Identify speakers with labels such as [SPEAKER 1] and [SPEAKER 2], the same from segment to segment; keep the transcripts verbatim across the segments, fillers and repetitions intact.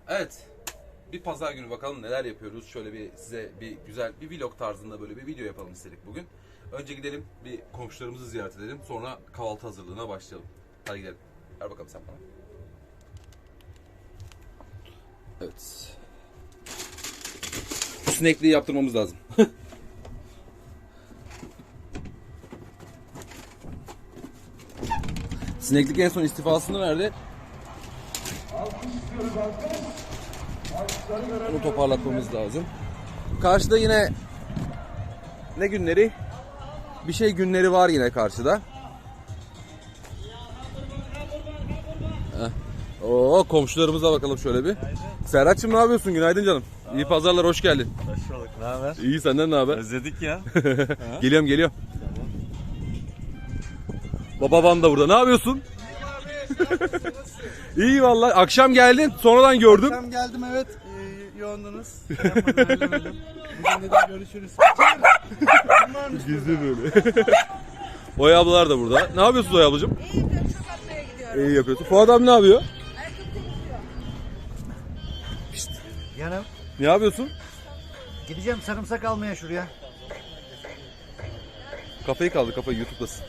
[SPEAKER 1] Evet. Bir pazar günü bakalım neler yapıyoruz. Şöyle bir size bir güzel bir vlog tarzında böyle bir video yapalım istedik bugün. Önce gidelim bir komşularımızı ziyaret edelim. Sonra kahvaltı hazırlığına başlayalım. Hadi gidelim. Ver bakalım sen bana. Evet. Şu sinekliği yaptırmamız lazım. Sineklik en son istifasını verdi. Bunu toparlatmamız lazım. Karşıda yine ne günleri? Bir şey günleri var yine karşıda. Heh. Oo, komşularımıza bakalım şöyle bir. Serhat'cığım ne yapıyorsun? Günaydın canım. İyi pazarlar, hoş geldin.
[SPEAKER 2] Hoş bulduk. Ne haber?
[SPEAKER 1] İyi, senden ne haber?
[SPEAKER 2] Özledik ya.
[SPEAKER 1] Geliyorum geliyorum. Baba Van da burada. Ne yapıyorsun? İyi vallahi. Akşam geldin, sonradan gördüm.
[SPEAKER 3] Akşam geldim, evet. Ee, yoğundunuz. Bugün de görüşürüz.
[SPEAKER 1] Gizli böyle. Oya ablalar da burada. Ne yapıyorsun Oya ablacığım?
[SPEAKER 4] İyi yapıyorum, çok atmaya gidiyorum.
[SPEAKER 1] İyi yapıyorsun. Fuat abi ne yapıyor?
[SPEAKER 4] Ayakkabı temizliyor.
[SPEAKER 3] Yanım.
[SPEAKER 1] Ne yapıyorsun?
[SPEAKER 3] Gideceğim sarımsak almaya şuraya.
[SPEAKER 1] Kafayı kaldı, kafayı YouTube'dasın.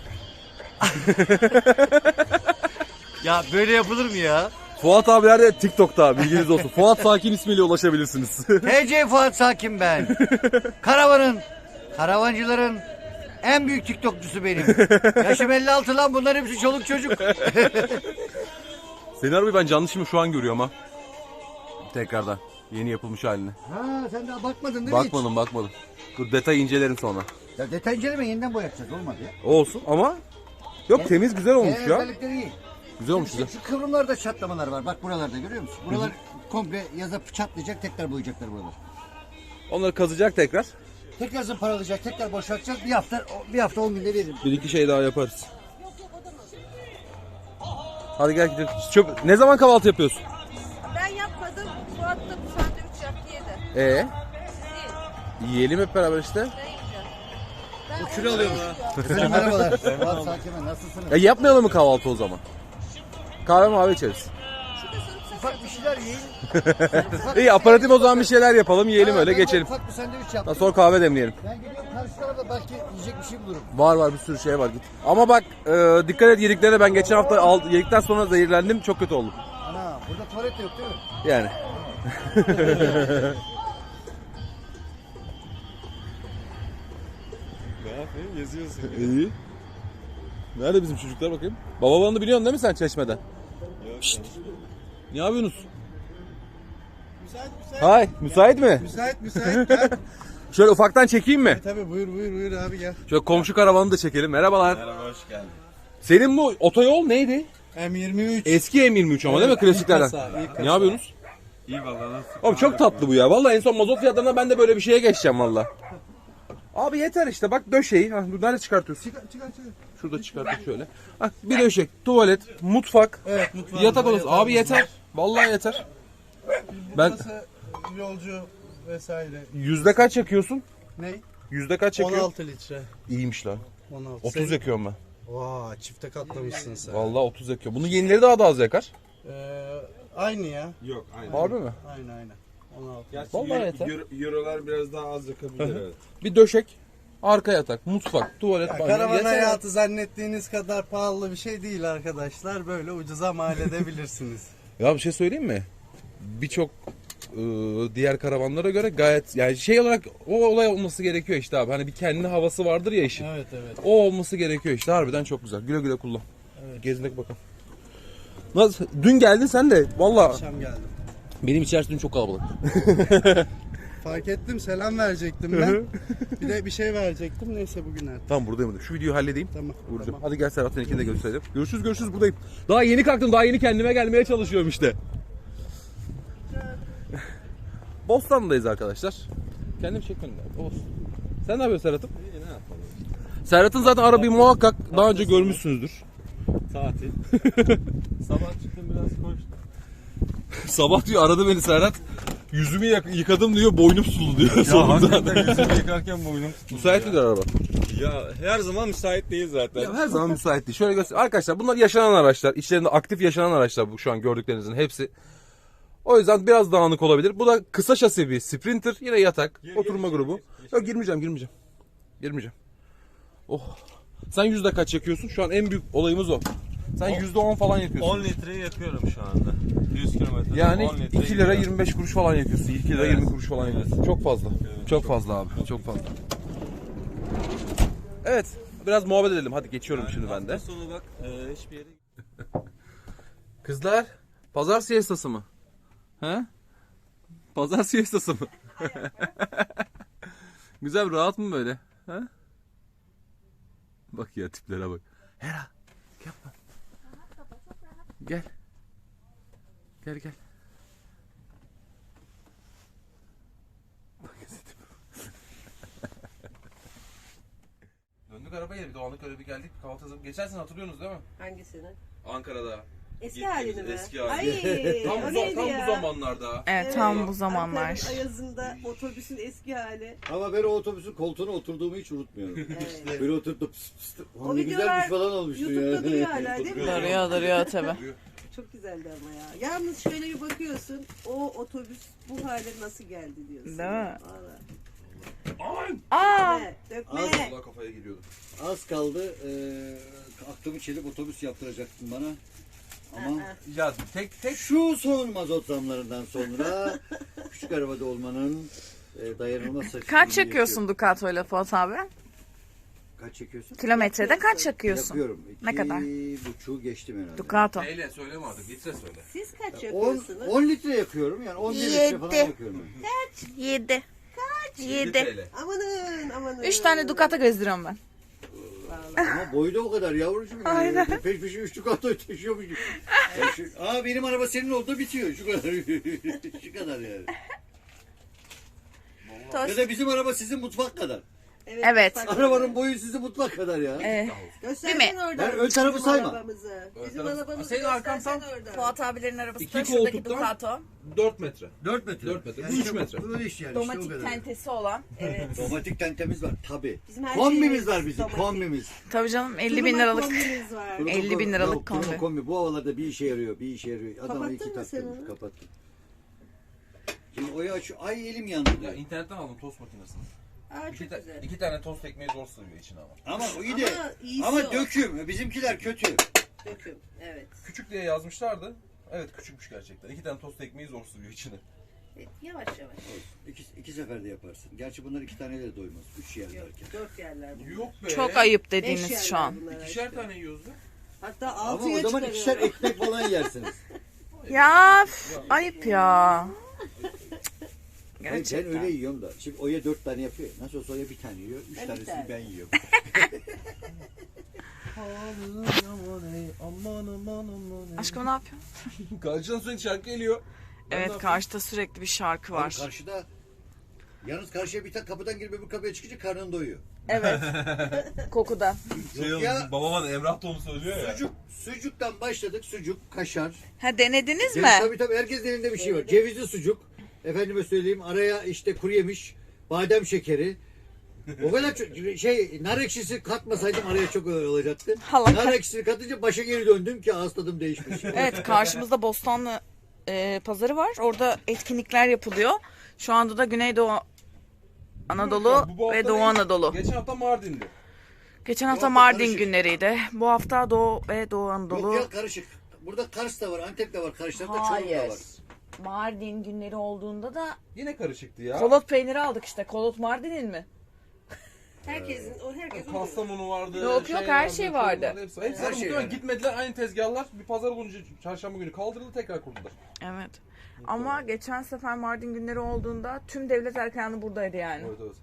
[SPEAKER 2] Ya böyle yapılır mı ya?
[SPEAKER 1] Fuat abiler de TikTok'ta, bilginiz olsun. Fuat Sakin ismiyle ulaşabilirsiniz.
[SPEAKER 3] T C Fuat Sakin ben. Karavanın, karavancıların en büyük TikTokçusu benim. Yaşım elli altı lan, bunlar hepsi çoluk çocuk.
[SPEAKER 1] Senin arabayı ben canlı şimdi şu an görüyorum ha. Tekrardan. Yeni yapılmış haline.
[SPEAKER 3] Ha, sen daha bakmadın değil mi
[SPEAKER 1] Bakmadım bakmadım. Dur detay incelerim sonra.
[SPEAKER 3] hiç? Ya detay inceleme, yeniden boyatacağız, olmadı ya.
[SPEAKER 1] Olsun ama yok, temiz güzel olmuş
[SPEAKER 3] Genel
[SPEAKER 1] ya.
[SPEAKER 3] özellikleri iyi.
[SPEAKER 1] Güzel olmuş
[SPEAKER 3] Şu,
[SPEAKER 1] güzel.
[SPEAKER 3] şu kıvrımlarda çatlamalar var, bak buralarda görüyor musun? Buralar komple yaza çatlayacak, tekrar boyayacaklar buralar.
[SPEAKER 1] Onları kazacak tekrar.
[SPEAKER 3] Tekrar zımparalayacak, tekrar boşaltacak. Bir hafta bir hafta on günde veririm.
[SPEAKER 1] Bir iki şey daha yaparız. Hadi gel gidelim. Çöp... Ne zaman kahvaltı yapıyorsun?
[SPEAKER 4] Ben yapmadım, Fuat da bu sandviç yaptı yedi.
[SPEAKER 1] Ee,
[SPEAKER 4] Siz
[SPEAKER 1] yiyelim hep beraber işte.
[SPEAKER 4] ne yiyeceğim? Ben
[SPEAKER 2] kilo alıyorum ha.
[SPEAKER 3] Efendim, merhabalar. Fuat Sakin ben, nasılsınız?
[SPEAKER 1] Ya yapmayalım mı kahvaltı o zaman? Kahve mavi içeriz.
[SPEAKER 4] Şurada sarımsak
[SPEAKER 3] Ufak bir şeyler yiyin.
[SPEAKER 1] İyi, aparatif o zaman bir şeyler yapalım, yiyelim
[SPEAKER 3] Ha,
[SPEAKER 1] öyle
[SPEAKER 3] ben de
[SPEAKER 1] geçelim.
[SPEAKER 3] Ufak bir sandviç
[SPEAKER 1] Daha
[SPEAKER 3] yaptım.
[SPEAKER 1] sonra kahve demleyelim.
[SPEAKER 3] Ben gidiyorum karşı tarafa, belki yiyecek bir şey bulurum.
[SPEAKER 1] Var var, bir sürü şey var, git. Ama bak e, dikkat et yediklerine, ben geçen hafta al, yedikten sonra zehirlendim, çok kötü oldum.
[SPEAKER 3] Ana, burada tuvalet de yok değil mi?
[SPEAKER 1] Yani.
[SPEAKER 2] Ne yapayım? Geziyorsun.
[SPEAKER 1] İyi. Nerede bizim çocuklar bakayım? Baba bandı biliyorsun değil mi sen Çeşme'den?
[SPEAKER 2] Yok.
[SPEAKER 1] Şşt. Ne yapıyorsunuz?
[SPEAKER 3] Müsait müsait.
[SPEAKER 1] Hay, müsait mi?
[SPEAKER 3] Müsait müsait gel.
[SPEAKER 1] Şöyle ufaktan çekeyim mi?
[SPEAKER 3] Tabii, buyur buyur buyur abi, gel.
[SPEAKER 1] Şöyle komşu karavanı da çekelim. Merhabalar.
[SPEAKER 2] Merhaba, hoş geldin.
[SPEAKER 1] Senin bu otoyol neydi?
[SPEAKER 3] M yirmi üç.
[SPEAKER 1] Eski M yirmi üç ama değil mi, klasiklerden?
[SPEAKER 3] kasa, ilk
[SPEAKER 1] Ne yapıyorsunuz?
[SPEAKER 2] İyi valla, nasıl?
[SPEAKER 1] Oğlum çok tatlı bu ya. Vallahi en son mazot fiyatlarına ben de böyle bir şeye geçeceğim valla. Abi yeter işte, bak döşeği. Ha, dur, nerede çıkartıyorsun?
[SPEAKER 3] Çıkar çıkar çıkar.
[SPEAKER 1] Şurada çıkarttık şöyle. Bak bir döşek, tuvalet, mutfak,
[SPEAKER 3] Evet, mutfağımız
[SPEAKER 1] yatak
[SPEAKER 3] var,
[SPEAKER 1] odası. Abi
[SPEAKER 3] yatağımız
[SPEAKER 1] yeter.
[SPEAKER 3] var.
[SPEAKER 1] Vallahi yeter. Ben
[SPEAKER 5] Burası yolcu vesaire.
[SPEAKER 1] yüzde kaç yakıyorsun?
[SPEAKER 5] Ne?
[SPEAKER 1] Yüzde kaç
[SPEAKER 5] on
[SPEAKER 1] yakıyor?
[SPEAKER 5] altı litre.
[SPEAKER 1] İyiymiş lan.
[SPEAKER 5] on altı.
[SPEAKER 1] otuz yakıyorum ben.
[SPEAKER 5] Vaa, çifte katlamışsın sen.
[SPEAKER 1] Vallahi otuz yakıyor. Bunun yenileri daha da az yakar.
[SPEAKER 5] Ee, aynı ya.
[SPEAKER 2] Yok, aynen.
[SPEAKER 1] Harbi mi?
[SPEAKER 5] Aynı aynı. on altı.
[SPEAKER 2] Gerçi
[SPEAKER 1] Vallahi
[SPEAKER 2] euro-
[SPEAKER 1] yeter.
[SPEAKER 2] euro- Eurolar biraz daha az yakabilir, evet.
[SPEAKER 1] Bir döşek, arka yatak, mutfak, tuvalet, banyo.
[SPEAKER 5] Karavan
[SPEAKER 1] Yeter.
[SPEAKER 5] hayatı zannettiğiniz kadar pahalı bir şey değil arkadaşlar. Böyle ucuza mal edebilirsiniz.
[SPEAKER 1] Ya bir şey söyleyeyim mi? Birçok e, diğer karavanlara göre gayet, yani şey olarak o olay olması gerekiyor işte abi. Hani bir kendi havası vardır ya işin.
[SPEAKER 5] Evet evet.
[SPEAKER 1] O olması gerekiyor işte, harbiden çok güzel. Güle güle kullan.
[SPEAKER 5] Evet.
[SPEAKER 1] Gezinek bakalım. Nasıl? Dün geldin sen de. Valla
[SPEAKER 5] Akşam geldim.
[SPEAKER 1] benim içerisi dün çok kalabalık.
[SPEAKER 5] Fark ettim, selam verecektim ben. Bir de bir şey verecektim. Neyse, bugün artık.
[SPEAKER 1] Tamam, buradayım. Şu videoyu halledeyim.
[SPEAKER 5] Tamam.
[SPEAKER 1] Vuracağım.
[SPEAKER 5] Tamam.
[SPEAKER 1] Hadi gel Serhat, seninkini de gösterelim. Görüşürüz görüşürüz, buradayım. Daha yeni kalktım, daha yeni kendime gelmeye çalışıyorum işte. Bostan'dayız arkadaşlar. Kendim çekmedim ya. Olsun. Sen ne yapıyorsun Serhat'ım?
[SPEAKER 2] İyi, ne yapalım?
[SPEAKER 1] Serhat'ın zaten arabayı muhakkak daha önce görmüşsünüzdür.
[SPEAKER 2] Tatil. Sabah çıktım, biraz koştum.
[SPEAKER 1] Sabah diyor aradı beni Serhat. Yüzümü yak- yıkadım diyor, boynum sulu diyor.
[SPEAKER 2] Ya
[SPEAKER 1] Sonunda.
[SPEAKER 2] hakikaten yüzümü yıkarken boynum tutuldu.
[SPEAKER 1] Müsait midir araba?
[SPEAKER 2] Ya her zaman müsait değil zaten.
[SPEAKER 1] Ya her zaman müsait değil. Şöyle göster. Arkadaşlar bunlar yaşanan araçlar. İçlerinde aktif yaşanan araçlar bu şu an gördüklerinizin hepsi. O yüzden biraz dağınık olabilir. Bu da kısa şasi bir Sprinter. Yine yatak.
[SPEAKER 2] Gir,
[SPEAKER 1] oturma
[SPEAKER 2] gir,
[SPEAKER 1] grubu.
[SPEAKER 2] gir, gir.
[SPEAKER 1] Yok girmeyeceğim girmeyeceğim. Girmeyeceğim. Oh. Sen yüzde kaç yakıyorsun? Şu an en büyük olayımız o. Sen yüzde on falan yakıyorsun.
[SPEAKER 2] on litreyi yakıyorum şu anda. yüz kilometre.
[SPEAKER 1] Yani
[SPEAKER 2] on litre
[SPEAKER 1] iki lira
[SPEAKER 2] gidiyor.
[SPEAKER 1] yirmi beş kuruş falan yakıyorsun. iki lira
[SPEAKER 2] Evet.
[SPEAKER 1] yirmi kuruş falan
[SPEAKER 2] Evet.
[SPEAKER 1] yakıyorsun. Çok fazla.
[SPEAKER 2] Evet,
[SPEAKER 1] çok,
[SPEAKER 2] çok.
[SPEAKER 1] fazla abi. Çok fazla. Evet. Biraz muhabbet edelim. Hadi geçiyorum şimdi ben de.
[SPEAKER 2] Hafta sonu bak e, hiçbir yere
[SPEAKER 1] Kızlar, pazar siestası mı? He? Pazar siestası mı? Güzel, rahat mı böyle? He? Bak ya tiplere bak. Hera, yapma. Gel. Gel gel. Bak ya tipe. Döndük arabaya, bir Doğanlık öyle bir geldik. Kahvaltı hazırlık. Geçen sene hatırlıyorsunuz değil mi?
[SPEAKER 4] Hangisini?
[SPEAKER 1] Ankara'da.
[SPEAKER 4] Eski
[SPEAKER 1] Gittiğimiz
[SPEAKER 4] halini mi?
[SPEAKER 1] eski hali.
[SPEAKER 4] Ay,
[SPEAKER 1] Tam,
[SPEAKER 4] o
[SPEAKER 1] bu,
[SPEAKER 4] neydi
[SPEAKER 1] tam
[SPEAKER 4] ya?
[SPEAKER 1] bu zamanlarda.
[SPEAKER 6] Evet, tam bu zamanlar.
[SPEAKER 4] Ankara'nın Ayazı'nda otobüsün eski hali.
[SPEAKER 7] Ama ben o otobüsün koltuğuna oturduğumu hiç unutmuyorum.
[SPEAKER 4] Evet.
[SPEAKER 7] Böyle oturup da pıs pıs pıs.
[SPEAKER 4] O
[SPEAKER 7] Ne
[SPEAKER 4] videolar
[SPEAKER 7] güzelmiş falan olmuştu
[SPEAKER 4] YouTube'da
[SPEAKER 7] ya.
[SPEAKER 4] duruyor hala değil mi?
[SPEAKER 6] Duruyor duruyor tabi.
[SPEAKER 4] Çok güzeldi ama ya. Yalnız şöyle bir bakıyorsun, o otobüs bu hale nasıl geldi diyorsun.
[SPEAKER 6] Değil mi?
[SPEAKER 4] Vallahi.
[SPEAKER 1] Aman!
[SPEAKER 6] Aa!
[SPEAKER 4] Dökme,
[SPEAKER 7] Az-
[SPEAKER 4] dökme.
[SPEAKER 1] Allah kafaya giriyordu.
[SPEAKER 7] Az kaldı. Eee aklımı çelip otobüs yaptıracaktın bana. Ama
[SPEAKER 4] Aa,
[SPEAKER 1] Ya tek tek
[SPEAKER 7] şu son mazot zamlarından sonra küçük arabada olmanın e, dayanılmaz saçmalığını
[SPEAKER 6] Kaç çekiyorsun
[SPEAKER 7] yaşıyorum.
[SPEAKER 6] Ducato ile Fuat abi?
[SPEAKER 7] Kaç çekiyorsun?
[SPEAKER 6] Kilometrede kaç çakıyorsun?
[SPEAKER 7] Yapıyorum. İki
[SPEAKER 6] Ne kadar?
[SPEAKER 7] buçuğu geçtim herhalde.
[SPEAKER 6] Ducato.
[SPEAKER 1] neyle söyleme artık, litre söyle.
[SPEAKER 4] Siz kaç
[SPEAKER 7] on,
[SPEAKER 4] yapıyorsunuz?
[SPEAKER 7] on litre yakıyorum yani on bir litre falan
[SPEAKER 6] Yedi.
[SPEAKER 7] yakıyorum.
[SPEAKER 6] Yedi. Yedi.
[SPEAKER 1] T L.
[SPEAKER 4] Amanın amanın.
[SPEAKER 6] Üç tane Ducato gezdiriyorum ben.
[SPEAKER 4] Vallahi.
[SPEAKER 7] Ama boyu da o kadar yavrucuğum. Yani.
[SPEAKER 6] Aynen.
[SPEAKER 7] Peş peşe üç Ducato'yu taşıyormuş. Ya şu, aa benim araba senin oldu bitiyor şu kadar. Şu kadar yani. Ya
[SPEAKER 6] Tost.
[SPEAKER 7] da bizim araba sizin mutfak kadar.
[SPEAKER 6] Evet.
[SPEAKER 4] bak-
[SPEAKER 7] Arabanın boyu sizin mutfak kadar ya.
[SPEAKER 6] Ee,
[SPEAKER 4] Göstersene
[SPEAKER 6] Değil mi?
[SPEAKER 4] oradan.
[SPEAKER 7] Ben ön tarafı
[SPEAKER 4] bizim
[SPEAKER 7] sayma.
[SPEAKER 4] arabamızı.
[SPEAKER 1] Ön
[SPEAKER 4] Bizim
[SPEAKER 1] tarafı-
[SPEAKER 4] arabamızı
[SPEAKER 1] Senin arkan
[SPEAKER 4] göstersene
[SPEAKER 1] tam-
[SPEAKER 4] oradan.
[SPEAKER 6] Fuat abilerin arabası
[SPEAKER 1] İki
[SPEAKER 6] da şuradaki
[SPEAKER 1] koltuktan-
[SPEAKER 6] Ducato.
[SPEAKER 1] dört metre.
[SPEAKER 7] dört metre.
[SPEAKER 1] Dört metre. Bu
[SPEAKER 7] Yani
[SPEAKER 1] üç
[SPEAKER 7] işte
[SPEAKER 1] metre.
[SPEAKER 7] Bu böyle iş yani.
[SPEAKER 6] Domatik
[SPEAKER 7] işte o kadar.
[SPEAKER 6] tentesi olan. Evet.
[SPEAKER 7] Domatik tentemiz var tabi.
[SPEAKER 4] Bizim her
[SPEAKER 7] Kombimiz
[SPEAKER 4] şeyimiz
[SPEAKER 7] var bizim
[SPEAKER 4] domatik.
[SPEAKER 7] kombimiz.
[SPEAKER 6] Tabii canım elli bin
[SPEAKER 4] Turuma
[SPEAKER 6] liralık.
[SPEAKER 4] kombimiz var.
[SPEAKER 7] Turbo
[SPEAKER 6] elli bin
[SPEAKER 7] kombi.
[SPEAKER 6] liralık
[SPEAKER 7] Yok, turbo
[SPEAKER 6] kombi.
[SPEAKER 7] kombi. Bu havalarda bir işe yarıyor bir işe yarıyor. Adama
[SPEAKER 4] Kapattın
[SPEAKER 7] iki
[SPEAKER 4] mı
[SPEAKER 7] tak
[SPEAKER 4] sen
[SPEAKER 7] koymuş,
[SPEAKER 4] onu?
[SPEAKER 7] kapattım. Şimdi oyu açıyor. Ay elim yandı diyor.
[SPEAKER 1] Ya internetten aldım tost makinesini.
[SPEAKER 4] Aa,
[SPEAKER 1] İki,
[SPEAKER 4] çok
[SPEAKER 1] ta-
[SPEAKER 4] güzel.
[SPEAKER 1] iki tane tost ekmeği zor sığıyor içine ama.
[SPEAKER 7] Ama o iyi de.
[SPEAKER 4] Ama iyisi
[SPEAKER 7] Ama
[SPEAKER 4] o.
[SPEAKER 7] döküm. Bizimkiler kötü.
[SPEAKER 4] Döküm. Evet.
[SPEAKER 1] Küçük diye yazmışlardı. Evet küçükmüş gerçekten. İki tane tost ekmeği zor sığıyor içine.
[SPEAKER 4] E, Yavaş yavaş.
[SPEAKER 7] İki, iki seferde yaparsın. Gerçi bunlar iki taneyle de doymaz. Üç yer
[SPEAKER 4] Yok,
[SPEAKER 7] derken.
[SPEAKER 4] dört yerler bunlar.
[SPEAKER 1] Yok be.
[SPEAKER 6] Çok ayıp
[SPEAKER 4] Beş
[SPEAKER 6] dediğiniz
[SPEAKER 4] yerler
[SPEAKER 6] şu an.
[SPEAKER 4] bunlar
[SPEAKER 1] İkişer
[SPEAKER 4] işte.
[SPEAKER 1] tane yiyoruz be.
[SPEAKER 4] Hatta
[SPEAKER 7] Ama
[SPEAKER 4] altıya
[SPEAKER 7] o zaman
[SPEAKER 4] çıkarıyorum.
[SPEAKER 7] ikişer ekmek falan yersiniz.
[SPEAKER 6] Ya üf, ayıp ya.
[SPEAKER 7] Hayır, ben
[SPEAKER 6] Gerçekten.
[SPEAKER 7] öyle yiyorum da. Şimdi Oya dört tane yapıyor. Nasıl olsa Oya bir tane yiyor. Üç
[SPEAKER 4] Evet,
[SPEAKER 7] tanesini
[SPEAKER 4] evet.
[SPEAKER 7] ben yiyorum.
[SPEAKER 6] Aşkım ne yapıyorsun?
[SPEAKER 1] Karşıdan sürekli şarkı geliyor. Ben ne
[SPEAKER 6] Evet
[SPEAKER 1] yapayım?
[SPEAKER 6] karşıda sürekli bir şarkı
[SPEAKER 7] Abi
[SPEAKER 6] var.
[SPEAKER 7] karşıda yalnız karşıya bir tane kapıdan girip öbür kapıya çıkınca karnın doyuyor.
[SPEAKER 6] Evet. Kokuda.
[SPEAKER 1] Şey
[SPEAKER 7] Yok
[SPEAKER 1] oldu,
[SPEAKER 7] ya.
[SPEAKER 1] babam hani Emrah da onu söylüyor ya.
[SPEAKER 7] Sucuk, sucuktan başladık. Sucuk, kaşar.
[SPEAKER 6] Ha denediniz
[SPEAKER 7] Ceviz,
[SPEAKER 6] mi?
[SPEAKER 7] tabii tabii herkesin elinde bir şey var. Cevizli sucuk. Efendime söyleyeyim araya işte kuru yemiş, badem şekeri. O kadar çok şey nar ekşisi katmasaydım araya çok öyle olacaktı.
[SPEAKER 6] Allah
[SPEAKER 7] Nar
[SPEAKER 6] kah-
[SPEAKER 7] ekşisi katınca başa geri döndüm ki ağız tadım değişmiş.
[SPEAKER 6] Evet karşımızda Bostanlı e, pazarı var. Orada etkinlikler yapılıyor. Şu anda da Güneydoğu Anadolu
[SPEAKER 1] Bu- bu hafta
[SPEAKER 6] ve Doğu
[SPEAKER 1] değil,
[SPEAKER 6] Anadolu.
[SPEAKER 1] Geçen hafta Mardin'di.
[SPEAKER 6] Geçen hafta
[SPEAKER 7] hafta
[SPEAKER 6] Mardin
[SPEAKER 7] karışık.
[SPEAKER 6] günleriydi. Bu hafta Doğu ve Doğu
[SPEAKER 7] Yok
[SPEAKER 6] Anadolu.
[SPEAKER 7] ya karışık. Burada Kars da var, Antep de var, karşı tarafta Çorum da
[SPEAKER 6] Hayır.
[SPEAKER 7] var.
[SPEAKER 6] Mardin günleri olduğunda da
[SPEAKER 1] Yine karışıktı ya.
[SPEAKER 6] kolot peyniri aldık işte. Kolot Mardin'in mi?
[SPEAKER 4] Herkesin, o herkesin.
[SPEAKER 1] Kastamonu vardı.
[SPEAKER 6] Yok, yok, her şey
[SPEAKER 1] Çorum
[SPEAKER 6] vardı.
[SPEAKER 1] Hepsi, hepsi
[SPEAKER 7] Her
[SPEAKER 1] her
[SPEAKER 7] şey
[SPEAKER 1] şey
[SPEAKER 7] vardı.
[SPEAKER 1] gitmediler aynı tezgahlar. Bir pazar olunca çarşamba günü kaldırıldı tekrar kurdular.
[SPEAKER 6] Evet. Ama geçen sefer Mardin günleri olduğunda tüm devlet erkanı buradaydı yani.
[SPEAKER 1] Evet evet.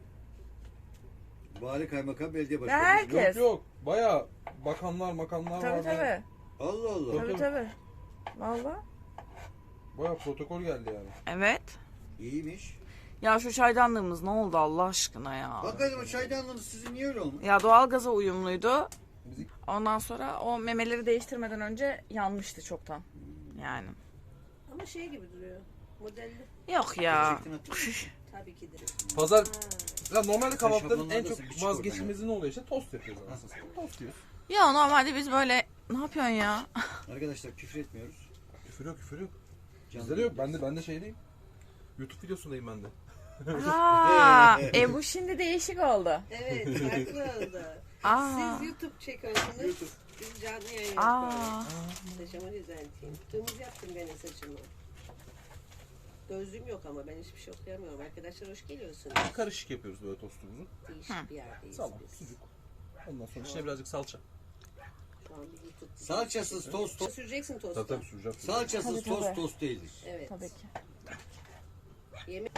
[SPEAKER 7] Vali, kaymakam, belediye
[SPEAKER 6] Ve
[SPEAKER 7] başkanı.
[SPEAKER 6] herkes.
[SPEAKER 1] Yok yok. Baya bakanlar makanlar
[SPEAKER 6] Tabii
[SPEAKER 1] vardı.
[SPEAKER 6] tabii.
[SPEAKER 7] Allah Allah.
[SPEAKER 6] Tabii tabii. Valla.
[SPEAKER 1] Baya protokol geldi yani.
[SPEAKER 6] Evet.
[SPEAKER 7] İyiymiş.
[SPEAKER 6] Ya şu çaydanlığımız ne oldu Allah aşkına ya?
[SPEAKER 7] Hakikaten o çaydanlığınız sizin niye öyle olmuş?
[SPEAKER 6] Ya doğalgaza uyumluydu.
[SPEAKER 1] Müzik-
[SPEAKER 6] Ondan sonra o memeleri değiştirmeden önce yanmıştı çoktan. Yani.
[SPEAKER 4] Ama şey gibi duruyor. Modelli.
[SPEAKER 6] Yok ya.
[SPEAKER 7] Gerçekten hatırlıyorum.
[SPEAKER 4] Tabii ki de.
[SPEAKER 1] Pazar ya normalde kahvaltıların
[SPEAKER 7] şablonlarda
[SPEAKER 1] en çok
[SPEAKER 7] sıkı çık
[SPEAKER 1] vazgeçilmezi ne oluyor işte tost yapıyoruz aslında. Tost yiyoruz.
[SPEAKER 6] Ya normalde biz böyle ne yapıyorsun ya?
[SPEAKER 7] Arkadaşlar küfür etmiyoruz.
[SPEAKER 1] Küfür yok küfür yok. Bizde de yok. Ben de, ben de şeydeyim. YouTube videosundayım ben de.
[SPEAKER 6] Aa, e bu şimdi değişik oldu.
[SPEAKER 4] Evet, farklı oldu.
[SPEAKER 6] Aa.
[SPEAKER 4] Siz YouTube çekiyorsunuz. Biz canlı yayın
[SPEAKER 6] Aa.
[SPEAKER 4] yapıyoruz. Saçımı düzelteyim. Tığımız yaptım gene saçımı. Gözlüğüm yok ama ben hiçbir şey okuyamıyorum. Arkadaşlar hoş geliyorsunuz.
[SPEAKER 1] Karışık yapıyoruz böyle tostumuzu.
[SPEAKER 4] Değişik bir yerdeyiz
[SPEAKER 1] Salam,
[SPEAKER 4] biz.
[SPEAKER 1] sucuk. Ondan sonra içine birazcık salça.
[SPEAKER 4] Şu an bir YouTube.
[SPEAKER 7] Salçasız tost tost.
[SPEAKER 4] Süreceksin tostu.
[SPEAKER 1] Tabii tabii süreceğim.
[SPEAKER 7] Salçasız
[SPEAKER 6] Tabii,
[SPEAKER 7] tost
[SPEAKER 6] tabii.
[SPEAKER 7] tost değildir.
[SPEAKER 4] Evet.
[SPEAKER 6] Tabii ki.
[SPEAKER 4] Yemek.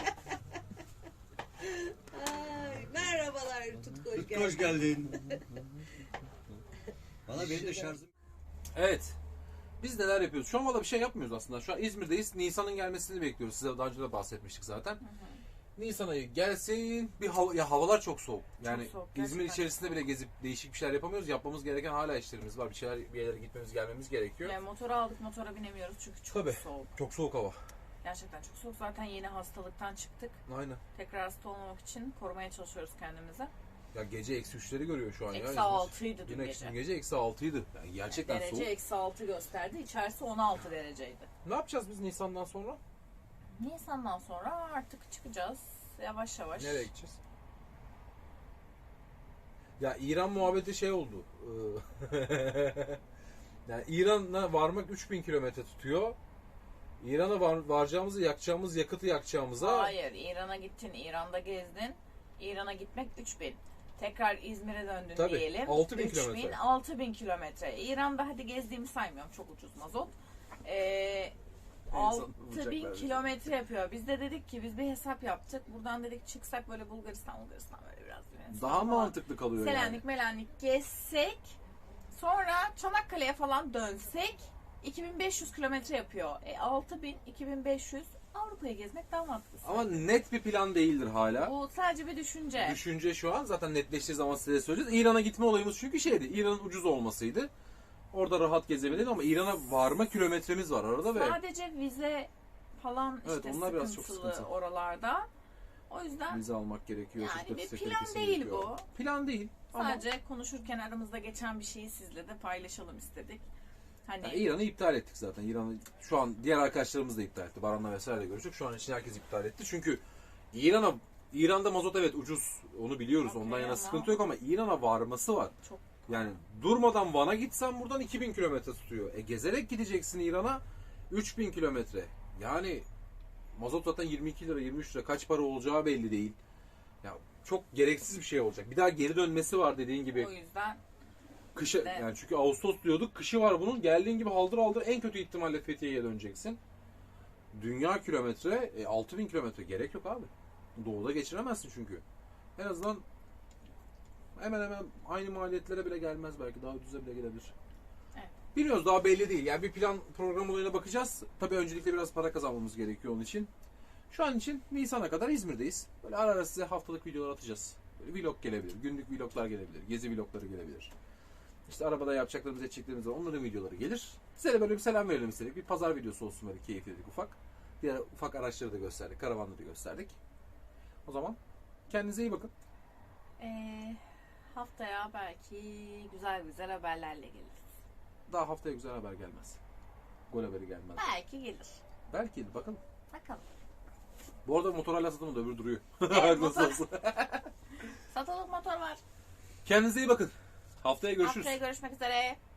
[SPEAKER 4] Ay, merhabalar Tutku hoş geldin.
[SPEAKER 7] Hoş geldin. Bana benim de şarjım.
[SPEAKER 1] Evet. Biz neler yapıyoruz? Şu an valla bir şey yapmıyoruz aslında. Şu an İzmir'deyiz. Nisan'ın gelmesini bekliyoruz. Size daha önce de bahsetmiştik zaten. Nisan ayı gelsin. Bir hava, ya havalar çok soğuk. Yani
[SPEAKER 6] soğuk,
[SPEAKER 1] İzmir
[SPEAKER 6] gerçekten
[SPEAKER 1] içerisinde bile gezip değişik bir şeyler yapamıyoruz. Yapmamız gereken hala işlerimiz var. Bir şeyler bir yerlere gitmemiz, gelmemiz gerekiyor.
[SPEAKER 6] Yani motoru aldık, motora binemiyoruz çünkü çok
[SPEAKER 1] Tabii.
[SPEAKER 6] soğuk.
[SPEAKER 1] Çok soğuk hava.
[SPEAKER 6] Gerçekten çok soğuk. Zaten yeni hastalıktan çıktık.
[SPEAKER 1] Aynen.
[SPEAKER 6] Tekrar hasta olmamak için korumaya çalışıyoruz kendimize.
[SPEAKER 1] Ya gece eksi üçleri görüyor şu an ya.
[SPEAKER 6] Eksi
[SPEAKER 1] İzmir.
[SPEAKER 6] altıydı dün
[SPEAKER 1] Dün
[SPEAKER 6] gece.
[SPEAKER 1] gece. gece eksi altıydı. Yani gerçekten
[SPEAKER 6] Derece
[SPEAKER 1] soğuk.
[SPEAKER 6] eksi altı gösterdi. İçerisi on altı dereceydi.
[SPEAKER 1] Ne yapacağız biz Nisan'dan sonra?
[SPEAKER 6] Nisan'dan sonra artık çıkacağız. Yavaş yavaş.
[SPEAKER 1] Nereye gideceğiz? Ya İran muhabbeti şey oldu. Ee, yani İran'a varmak üç bin kilometre tutuyor. İran'a var, varacağımızı, yakacağımız yakıtı yakacağımıza
[SPEAKER 6] Hayır, İran'a gittin, İran'da gezdin. İran'a gitmek üç bin. Tekrar İzmir'e döndün
[SPEAKER 1] Tabii,
[SPEAKER 6] diyelim.
[SPEAKER 1] altı bin
[SPEAKER 6] üç bin,
[SPEAKER 1] kilometre.
[SPEAKER 6] altı bin kilometre. İran'da hadi gezdiğimi saymıyorum. Çok ucuz mazot. Ee, altı bin
[SPEAKER 1] bulacaklar
[SPEAKER 6] kilometre yapıyor. Biz de dedik ki biz bir hesap yaptık. Buradan dedik çıksak böyle Bulgaristan, Bulgaristan böyle biraz Yunanistan
[SPEAKER 1] daha
[SPEAKER 6] falan.
[SPEAKER 1] mantıklı kalıyor
[SPEAKER 6] Selanik,
[SPEAKER 1] yani.
[SPEAKER 6] Melanik gezsek, sonra Çanakkale'ye falan dönsek iki bin beş yüz kilometre yapıyor. E, altı bin, iki bin beş yüz Avrupa'yı gezmek daha mantıklı.
[SPEAKER 1] Ama net bir plan değildir hala.
[SPEAKER 6] Bu sadece bir düşünce.
[SPEAKER 1] Düşünce şu an zaten netleştiği zaman size söyleyeceğiz. İran'a gitme olayımız çünkü şeydi. İran'ın ucuz olmasıydı. Orada rahat gezebilirdik ama İran'a varma kilometremiz var arada ve
[SPEAKER 6] Sadece vize falan
[SPEAKER 1] Evet,
[SPEAKER 6] işte
[SPEAKER 1] onlar biraz çok
[SPEAKER 6] sıkıntılı
[SPEAKER 1] sıkıntı.
[SPEAKER 6] oralarda. O yüzden
[SPEAKER 1] vize almak gerekiyor.
[SPEAKER 6] yani
[SPEAKER 1] şirket
[SPEAKER 6] bir
[SPEAKER 1] vize
[SPEAKER 6] plan
[SPEAKER 1] kalitesi
[SPEAKER 6] değil
[SPEAKER 1] gerekiyor.
[SPEAKER 6] bu.
[SPEAKER 1] Plan değil. Ama
[SPEAKER 6] Sadece konuşurken aramızda geçen bir şeyi sizle de paylaşalım istedik. Hani
[SPEAKER 1] yani İran'ı iptal ettik zaten. İran'ı şu an diğer arkadaşlarımız da iptal etti. Baran'la vesaire görüştük. Şu an için herkes iptal etti. Çünkü İran'a İran'da mazot evet ucuz. Onu biliyoruz.
[SPEAKER 6] Okey
[SPEAKER 1] Ondan yana
[SPEAKER 6] ama-
[SPEAKER 1] sıkıntı yok ama İran'a varması var.
[SPEAKER 6] çok
[SPEAKER 1] Yani durmadan Van'a gitsen buradan iki bin kilometre tutuyor. E gezerek gideceksin İran'a üç bin kilometre. Yani mazot zaten yirmi iki lira yirmi üç lira kaç para olacağı belli değil. Ya çok gereksiz bir şey olacak. Bir daha geri dönmesi var dediğin gibi.
[SPEAKER 6] o yüzden
[SPEAKER 1] Kışı
[SPEAKER 6] Evet.
[SPEAKER 1] yani çünkü Ağustos diyorduk. Kışı var bunun. Geldiğin gibi haldır haldır en kötü ihtimalle Fethiye'ye döneceksin. Dünya kilometre e, altı bin kilometre gerek yok abi. Doğuda geçiremezsin çünkü. En azından hemen hemen aynı maliyetlere bile gelmez belki. Daha ucuza bile gelebilir.
[SPEAKER 6] Evet.
[SPEAKER 1] Bilmiyoruz daha belli değil. Yani bir plan program olayına bakacağız. Tabii öncelikle biraz para kazanmamız gerekiyor onun için. Şu an için Nisan'a kadar İzmir'deyiz. Böyle ara ara size haftalık videolar atacağız. Böyle vlog gelebilir. Günlük vloglar gelebilir. Gezi vlogları gelebilir. İşte arabada yapacaklarımız, edeceklerimiz var. Onların videoları gelir. Size de böyle bir selam verelim istedik. Bir pazar videosu olsun böyle keyifli dedik ufak. Diğer ufak araçları da gösterdik. Karavanları da gösterdik. O zaman kendinize iyi bakın.
[SPEAKER 6] Ee, haftaya belki güzel güzel haberlerle geliriz.
[SPEAKER 1] Daha haftaya güzel haber gelmez. Gol haberi gelmez.
[SPEAKER 6] Belki gelir.
[SPEAKER 1] Belki bakalım.
[SPEAKER 6] Bakalım.
[SPEAKER 1] Bu arada motor hala satılmadı, öbürü duruyor.
[SPEAKER 6] Evet,
[SPEAKER 1] Nasıl
[SPEAKER 6] motor-
[SPEAKER 1] olsa.
[SPEAKER 6] Satılık motor var.
[SPEAKER 1] Kendinize iyi bakın. Haftaya görüşürüz.
[SPEAKER 6] Haftaya görüşmek üzere.